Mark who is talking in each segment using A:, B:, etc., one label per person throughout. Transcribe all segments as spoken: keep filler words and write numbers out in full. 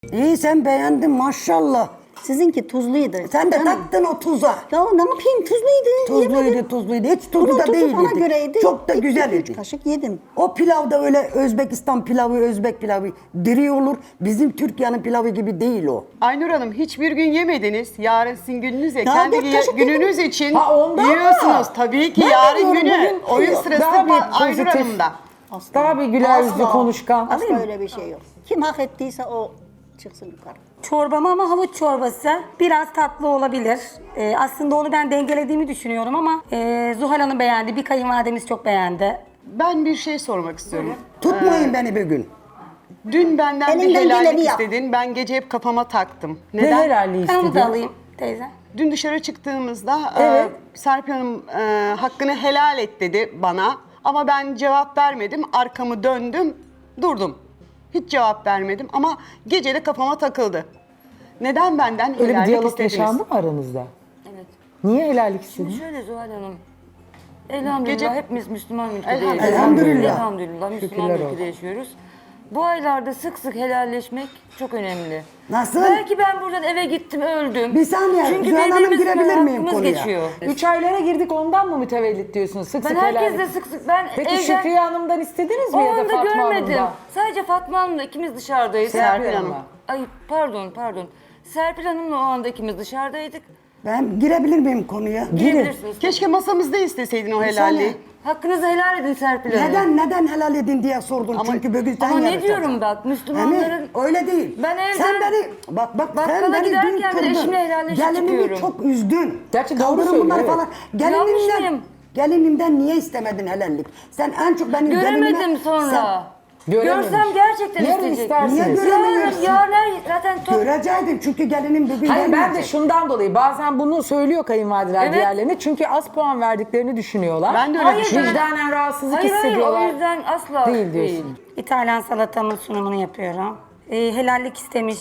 A: İyi sen beğendin maşallah.
B: Sizinki tuzluydu.
A: Sen de
B: Canım.
A: taktın o tuza.
B: Ya ne yapayım tuzluydu.
A: Tuzluydu
B: yemedim.
A: tuzluydu. Hiç tuzlu
B: Bunun
A: da
B: tuzu
A: değildi.
B: bana göreydi.
A: Çok da
B: İki-
A: güzel
B: üç
A: idi.
B: kaşık yedim.
A: O pilav da öyle Özbekistan pilavı, Özbek pilavı diri olur. Bizim Türkiye'nin pilavı gibi değil o.
C: Aynur Hanım hiçbir gün yemediniz. Yarın sizin gününüz ya.
B: Daha
C: Kendi
B: dört
C: ye-
B: kaşık
C: gününüz için
D: Ha, ondan mı?
C: yiyorsunuz. Tabii ki
D: Ben de
C: yarın
D: diyorum,
C: günü.
D: bugün
C: Oyun sırası
D: daha bir
C: pa- Aynur
D: pozitif.
C: Hanım'da.
D: Daha bir güler yüzlü
B: Asla.
D: konuşkan.
B: Asla öyle bir şey yok. Kim hak ettiyse o çıksın yukarı.
E: Çorbam ama havuç çorbası. Biraz tatlı olabilir. Ee, aslında onu ben dengelediğimi düşünüyorum ama e, Zuhal Hanım beğendi. Bir kayınvalidemiz çok beğendi.
C: Ben bir şey sormak istiyorum.
A: Tutmayın beni bir gün.
C: Dün benden bir
B: Elinden
C: helallik
B: geleni yap.
C: istedin. Ben gece hep kafama taktım.
D: Ne
C: Neden?
D: helalliği
E: Ben onu da
D: istedi?
E: alayım teyze.
C: Dün dışarı çıktığımızda
D: Evet.
C: e, Serpil Hanım e, hakkını helal et dedi bana. Ama ben cevap vermedim. Arkamı döndüm, durdum. Hiç cevap vermedim ama gece de kafama takıldı. Neden benden
D: Öyle bir
C: helallik
D: diyalog
C: istediniz?
D: yaşandı mı aranızda?
F: Evet.
D: Niye helallik istedin?
F: Şöyle Zuhal Hanım. Elhamdülillah
C: Gece-
F: hepimiz Müslüman ülkede
C: Elhamdülillah.
F: yaşıyoruz.
A: Elhamdülillah.
F: Elhamdülillah Müslüman
D: Şükürler
F: ülkede
D: olsun.
F: yaşıyoruz. Bu aylarda sık sık helalleşmek çok önemli.
A: Nasıl?
F: Belki ben buradan eve gittim öldüm.
A: Bir saniye,
F: Çünkü
A: Zuhal Hanım
F: birbirimizin
A: girebilir miyim
F: hakkımız
A: konuya?
F: geçiyor.
D: Üç aylara girdik ondan mı mütevellit diyorsunuz? Sık
F: Ben
D: sık
F: herkesle
D: helallik.
F: sık sık ben
D: Peki
F: evden
D: Şükriye Hanım'dan istediniz
F: o
D: mi ya da
F: anda
D: Fatma
F: görmedim.
D: Hanım'dan?
F: Sadece Fatma Hanım'la ikimiz dışarıdayız.
D: Serpil
C: Serpil
D: Hanım'la.
F: Ay pardon pardon. Serpil Hanım'la o anda ikimiz dışarıdaydık.
A: Ben girebilir miyim konuya?
F: Girebilirsiniz.
C: Keşke masamızda isteseydin o helalliği.
F: Hakkınızı helal edin Serpil Hanım.
A: Neden neden helal edin diye sordun
C: Ama-
A: çünkü bugün sen
F: Ama ne
A: yaratacaksın.
F: diyorum bak Müslümanların...
A: Hani öyle değil.
F: Ben evden
A: sen beni bak bak sen
F: bakkala
A: beni dün
F: giderken bile
A: kırdın.
F: eşimle helalleşip
A: Gelinimi
F: çıkıyorum.
A: çok üzdün.
D: Gerçi doğru
A: Kaldırın
D: söylüyor,
A: bunları
D: evet.
A: falan.
F: Yanlış
A: Gelinimden,
F: mıyım?
A: gelinimden niye istemedin helallik? Sen en çok benim
F: Göremedim
A: gelinime...
F: sonra.
D: Görememiş.
F: Görsem gerçekten
D: Yarın
F: isteyecek.
D: istersiniz.
A: Niye
F: Yarın,
A: göremiyorsun?
F: yarın her- zaten
A: Sen
F: top...
A: görecektin çünkü gelinim bugün
D: Hayır ben de
A: gelmeyecek.
D: şundan dolayı bazen bunu söylüyor kayınvalideler
F: Evet.
D: diğerlerine çünkü az puan verdiklerini düşünüyorlar.
C: Ben de öyle
F: Hayır,
C: düşünüyorum.
D: Vicdanen rahatsızlık
F: Hayır hayır
D: hissediyorlar.
F: o yüzden asla
D: Değil diyorsun.
E: İtalyan salatamın sunumunu yapıyorum. Ee, helallik istemiş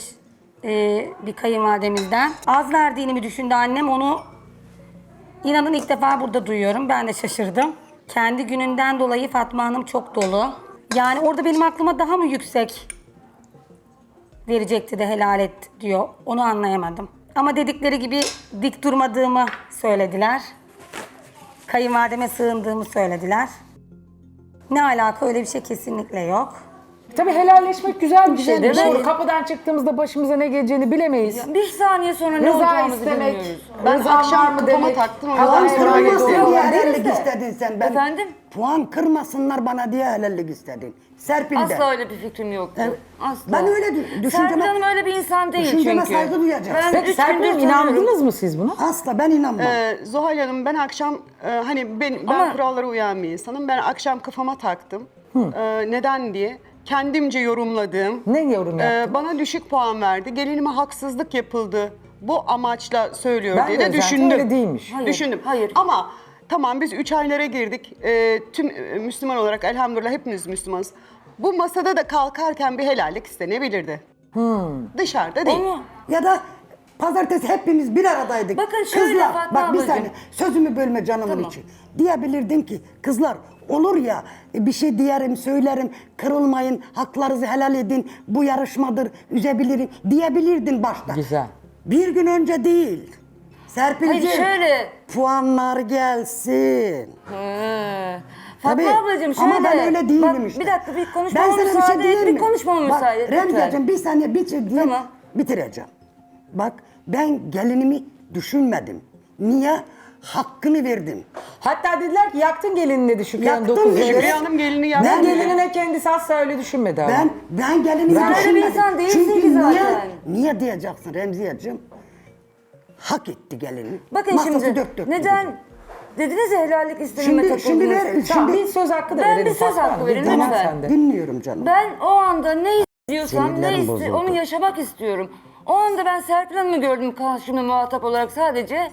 E: e, bir kayınvalidemizden. Az verdiğini mi düşündü annem onu inanın ilk defa burada duyuyorum. Ben de şaşırdım. Kendi gününden dolayı Fatma Hanım çok dolu. Yani orada benim aklıma daha mı yüksek verecekti de helal et diyor. Onu anlayamadım. Ama dedikleri gibi dik durmadığımı söylediler. Kayınvalideme sığındığımı söylediler. Ne alaka öyle bir şey kesinlikle yok.
D: Tabii helalleşmek güzel bir şey.
F: değil mi?
D: Doğru. Kapıdan çıktığımızda başımıza ne geleceğini bilemeyiz.
F: Bir saniye sonra ne
D: Rıza
F: olacağımızı
D: istemek,
F: bilmiyoruz.
C: Ben
D: rızan
C: akşam
D: var mı
C: kafama
D: demek.
C: taktım, o
D: Allah
C: yüzden
D: helal
C: sonra
D: etsin
C: getirdim.
A: diye
D: deriz
A: helallik
D: de.
A: istedin sen. Ben
F: Efendim?
A: puan kırmasınlar bana diye helallik istedin. Serpil'den.
F: Asla öyle bir fikrim yoktu.
A: Evet.
F: Asla.
A: Ben öyle dü- düşünceme-
F: Serpil Hanım öyle bir insan değil
A: düşünceme
F: çünkü.
A: saygı duyacaksın.
F: Ben
D: Peki
F: üç
D: Serpil
F: gündür
D: Hanım
F: tanıyorum.
D: inandınız mı siz buna?
A: Asla ben inanmam.
C: Ee, Zuhal Hanım ben akşam e, hani ben, ben
F: Ama-
C: kurallara uyan bir insanım. Ben akşam kafama taktım. Ee, neden diye kendimce yorumladığım.
D: Ne yorum
C: e,
D: yaptın?
C: bana düşük puan verdi. Gelinime haksızlık yapıldı. Bu amaçla söylüyor
D: Ben
C: diye
D: de
C: de
D: zaten
C: düşündüm.
D: öyle değilmiş.
F: Hayır,
C: Düşündüm.
F: hayır.
C: Ama tamam biz üç aylara girdik. Ee, tüm e, Müslüman olarak elhamdülillah hepimiz Müslümanız. Bu masada da kalkarken bir helallik istenebilirdi. Dışarıda değil.
F: Onu
A: Ya da pazartesi hepimiz bir aradaydık.
F: Bakın şöyle
A: Kızlar,
F: Fatma
A: bak bir
F: ablacığım.
A: saniye sözümü bölme canımın
F: Tamam.
A: içi. Diyebilirdin ki kızlar olur ya bir şey diyerim söylerim kırılmayın haklarınızı helal edin bu yarışmadır üzebilirim diyebilirdin başta.
D: Güzel.
A: Bir gün önce değil. Serpil'ciğim
F: Hayır, şöyle.
A: puanlar gelsin.
F: He. Fatma
A: Tabii.
F: ablacığım şöyle.
A: Ama ben öyle değilim
F: Bak,
A: işte.
F: Bir dakika bir
A: Ben
F: konuşmama
A: sana bir
F: müsaade
A: şey
F: et.
A: diyeyim
F: Bir
A: mi?
F: konuşmama
A: Bak,
F: müsaade et.
A: Remziyeciğim
F: lütfen.
A: bir saniye bitir diye
F: Tamam.
A: bitireceğim. Bak ben gelinimi düşünmedim. Niye? Hakkını verdim.
D: Hatta dediler ki yaktın gelinini dedi Şükriye Hanım
A: Yaktım
D: dokuz
A: dedi.
D: yaşında.
C: Şükriye Hanım gelini yaptı.
D: Ben
A: Ben-
D: gelinine kendisi asla öyle düşünmedi ama.
A: Ben ben gelinimi
D: Sen öyle bir
A: düşünmedim.
F: insan değilsin
A: Çünkü
F: ki zaten.
A: niye, niye diyeceksin Remziyeciğim? Hak etti gelini.
F: Bakın
A: Masası
F: şimdi
A: dört dört
F: neden
A: dedi.
F: dediniz ya helallik istememe
A: Şimdi,
F: takıldınız.
A: şimdi ver,
D: Tamam,
A: şimdi
D: bir söz hakkı da
F: Ben
D: verelim
F: bir söz
D: Fatma
F: hakkı
D: Hanım.
F: verin,
D: Bir dinlen
F: lütfen.
D: sen de.
A: dinliyorum canım.
F: Ben o anda ne istiyorsam ne
A: Sinirlerim
F: iste
A: bozuldu.
F: onu yaşamak istiyorum. O anda ben Serpil Hanım'ı gördüm karşımda muhatap olarak sadece.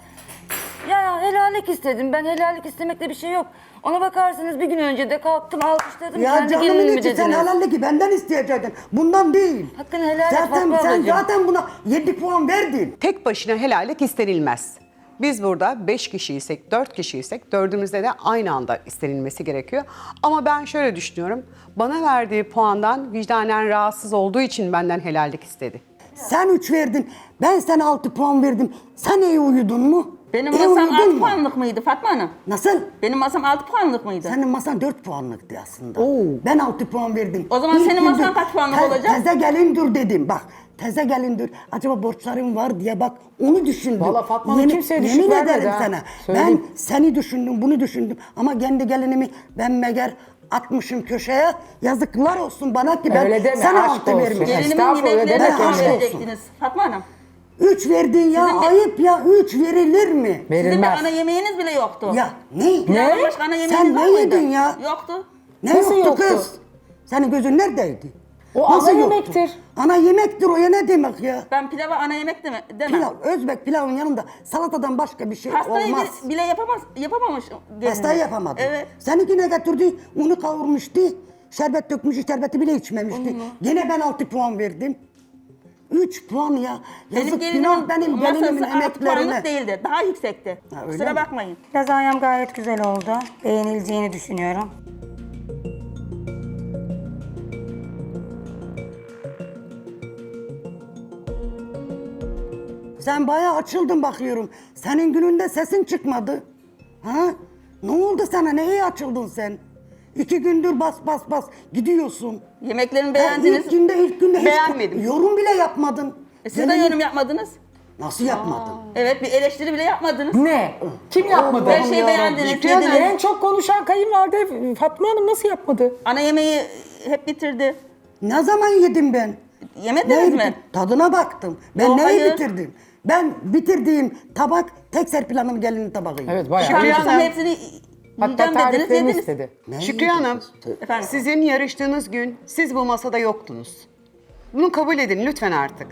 F: Ya helallik istedim. Ben helallik istemekte bir şey yok. Ona bakarsanız bir gün önce de kalktım alkışladım.
A: Ya
F: Kendi
A: canımın
F: gelinimi
A: içi sen
F: dediniz.
A: helallik benden isteyecektin. Bundan değil.
F: Hakkını helal et
A: zaten,
F: Fatma
A: sen
F: ablacığım.
A: zaten buna yedi puan verdin.
C: Tek başına helallik istenilmez. Biz burada beş kişiysek, dört kişiysek dördümüzde de aynı anda istenilmesi gerekiyor. Ama ben şöyle düşünüyorum. Bana verdiği puandan vicdanen rahatsız olduğu için benden helallik istedi.
A: Sen üç verdin. Ben sana altı puan verdim. Sen iyi uyudun mu?
B: Benim
A: İyi
B: masam
A: uyudun
B: altı
A: mu?
B: puanlık mıydı Fatma Hanım?
A: Nasıl?
B: Benim masam altı puanlık mıydı?
A: Senin masan dört puanlıktı aslında. Ben altı puan verdim.
B: O zaman
A: İlk
B: senin
A: gündür
B: masan kaç puanlık olacak?
A: Teze gelin dur dedim bak. Teze gelin dur. Acaba borçlarım var diye bak onu düşündüm.
D: Vallahi Fatma Hanım
A: Yemin-
D: kimseye düşük
A: Yemin
D: vermedi
A: ederim
D: ha.
A: sana.
D: Söyleyeyim.
A: Ben seni düşündüm bunu düşündüm. Ama kendi gelinimi ben meğer atmışım köşeye. Yazıklar olsun bana ki ben
D: Öyle deme,
A: sana
D: aşk
A: altı
D: olsun.
A: vermişim.
B: Gelinimin
D: Estağfurullah,
B: yemeklerini
D: demek
B: kaç
A: öyle.
B: verecektiniz Fatma Hanım?
A: Üç verdin ya
B: Sizin de-
A: ayıp ya üç verilir mi?
B: Sizin bir
D: Verilmez.
B: ana yemeğiniz bile yoktu.
A: Ya ne?
B: Pilavdan başka ana yemeğiniz
A: Sen
B: var
A: ne
B: mıydı?
A: yedin ya?
B: Yoktu.
A: Ne
D: Nasıl
A: yoktu,
D: yoktu?
A: kız? Senin gözün neredeydi?
D: O ana
A: yoktu?
D: yemektir.
A: Ana yemektir o ya ne demek ya?
B: Ben pilava ana yemek deme, demem.
A: Pilav, Özbek pilavın yanında salatadan başka bir şey
B: Pastayı
A: olmaz.
B: bile, bile yapamaz, yapamamış gelinimiz.
A: Pastayı yapamadın.
B: Evet.
A: Seninki ne getirdi? Unu kavurmuştu. Şerbet dökmüş, şerbeti bile içmemişti. Yine ben altı puan verdim. Üç puan ya.
B: Benim
A: Yazık
B: gelinimin
A: günah benim gelinimin
B: masası altı puanlık
A: emeklerine.
B: değildi. Daha yüksekti.
A: Ha, öyle
B: Kusura
A: mi?
B: bakmayın.
E: Lazanyam gayet güzel oldu. Beğenileceğini düşünüyorum.
A: Sen bayağı açıldın bakıyorum. Senin gününde sesin çıkmadı. Ha? Ne oldu sana? Neye açıldın sen? İki gündür bas bas bas gidiyorsun.
B: Yemeklerimi
A: Ha,
B: beğendiniz.
A: ilk günde ilk günde hiç
C: Beğenmedim.
A: yorum bile yapmadın.
B: E, siz de
A: Gelin-
B: yorum yapmadınız.
A: Nasıl yapmadın?
B: Evet, bir eleştiri bile yapmadınız.
D: Ne? Kim yapmadı?
B: Her şeyi beğendiniz,
C: Şükrü Hanım,
B: yediniz.
D: En çok konuşan kayınvalide Fatma Hanım nasıl yapmadı?
B: Ana yemeği hep bitirdi.
A: Ne zaman yedim ben?
B: Yemediniz
A: Neyi
B: mi?
A: bitir- Tadına baktım. Ben
B: Yo,
A: neyi
B: hayır.
A: bitirdim? Ben bitirdiğim tabak tek Serpil Hanım gelinin tabağıydı.
D: Evet bayağı.
C: Şükrü
B: Tamam,
C: Hanım.
B: hepsini
D: Hatta
B: yiyeceğim dediniz,
D: tariflerini
B: yediniz.
D: istedi.
A: Ne
C: Şükrü
A: yedim?
C: Hanım,
B: Efendim?
C: sizin yarıştığınız gün siz bu masada yoktunuz. Bunu kabul edin lütfen artık.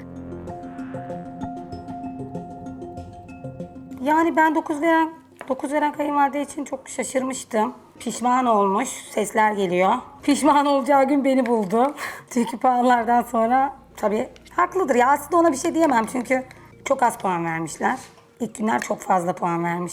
E: Yani ben dokuz veren dokuz veren kayınvalide için çok şaşırmıştım. Pişman olmuş. Sesler geliyor. Pişman olacağı gün beni buldu. Çünkü puanlardan sonra tabii haklıdır. Ya aslında ona bir şey diyemem çünkü çok az puan vermişler. İlk günler çok fazla puan vermiş.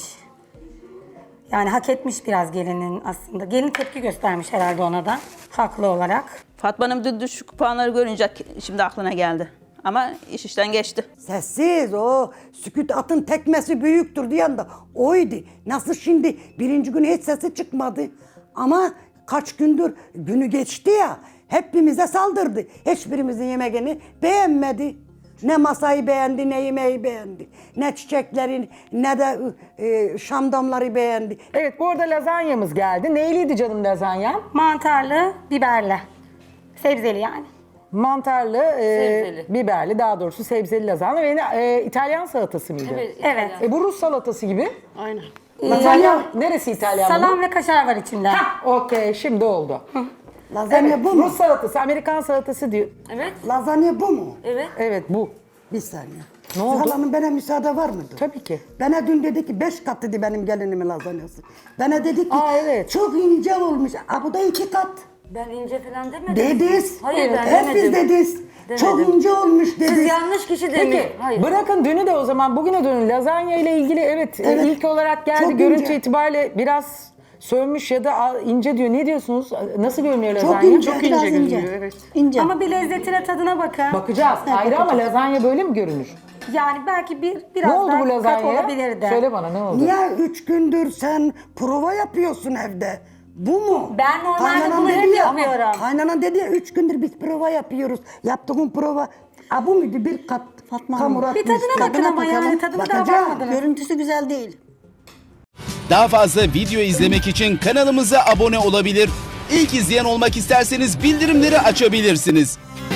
E: Yani hak etmiş biraz gelinin aslında. Gelin tepki göstermiş herhalde ona da. Haklı olarak.
B: Fatma Hanım dün düşük puanları görünce şimdi aklına geldi. Ama iş işten geçti.
A: Sessiz o sükut atın tekmesi büyüktür diyen de oydu. Nasıl şimdi birinci gün hiç sesi çıkmadı. Ama kaç gündür günü geçti ya hepimize saldırdı. Hiçbirimizin yemeğini beğenmedi. Ne masayı beğendi, ne yemeği beğendi. Ne çiçeklerin, ne de e, şamdamları beğendi.
D: Evet bu arada lazanyamız geldi. Neyliydi canım lazanyam?
E: Mantarlı, biberli. Sebzeli yani.
D: Mantarlı, e,
F: Sebzeli.
D: biberli daha doğrusu sebzeli lazanya ve e, İtalyan salatası mıydı?
F: Evet.
E: Evet.
D: E bu Rus salatası gibi.
C: Aynen.
D: Lazanya neresi İtalyan bunun?
E: Salam ve kaşar var içinde.
D: Hah, okey şimdi oldu.
A: Lazanya
D: Evet,
A: bu mu?
D: Rus salatası, Amerikan salatası diyor.
F: Evet.
A: Lazanya bu mu?
F: Evet.
D: Evet bu.
A: Bir saniye.
D: Ne oldu?
A: Zuhal Hanım bana müsaade var mıdır?
D: Tabii ki.
A: Bana dün dedi ki beş kat dedi benim gelinimin lazanyası. Bana dedi ki
D: Aa, evet.
A: çok ince olmuş. Aa, bu da iki kat.
F: Ben ince falan demedim.
A: Dediz.
F: Hayır ben
A: Hep
F: demedim.
A: biz dediz.
F: Demedim.
A: Çok ince olmuş dediz.
F: Siz yanlış kişi demiş.
D: Peki
F: Hayır.
D: bırakın dünü de o zaman bugüne dönün. Lazanya ile ilgili evet, e,
A: Evet.
D: ilk olarak geldi.
A: Çok
D: Görüntü
A: ince.
D: itibariyle biraz sönmüş ya da a- ince diyor. Ne diyorsunuz? Nasıl görünüyor lazanya?
A: Çok ince.
C: Çok
A: Biraz
C: ince
A: ince.
C: görünüyor, evet.
B: İnce.
E: Ama bir lezzetine, tadına bakın.
D: Bakacağız. Ayrı ama lazanya böyle mi görünür?
E: Yani belki bir biraz
D: Ne oldu
E: daha
D: bu
E: kat
D: lazanyaya?
E: olabilirdi.
D: Söyle bana ne oldu?
A: Niye üç gündür sen prova yapıyorsun evde? Bu mu?
E: Ben normalde
A: Kaynanan
E: bunu
A: dedi
E: hep
A: ya,
E: yapıyorum.
A: Kaynanan dedi ya üç gündür biz prova yapıyoruz. Yaptığın prova Aa, bu muydu? Bir kat
B: Fatma
A: hamur
B: Hanım.
E: Bir
A: atmıştı.
E: tadına bakın ama yani tadına daha
A: Bakacağım.
E: bakmadınız.
B: Görüntüsü güzel değil.
G: Daha fazla video izlemek için kanalımıza abone olabilir. İlk izleyen olmak isterseniz bildirimleri açabilirsiniz.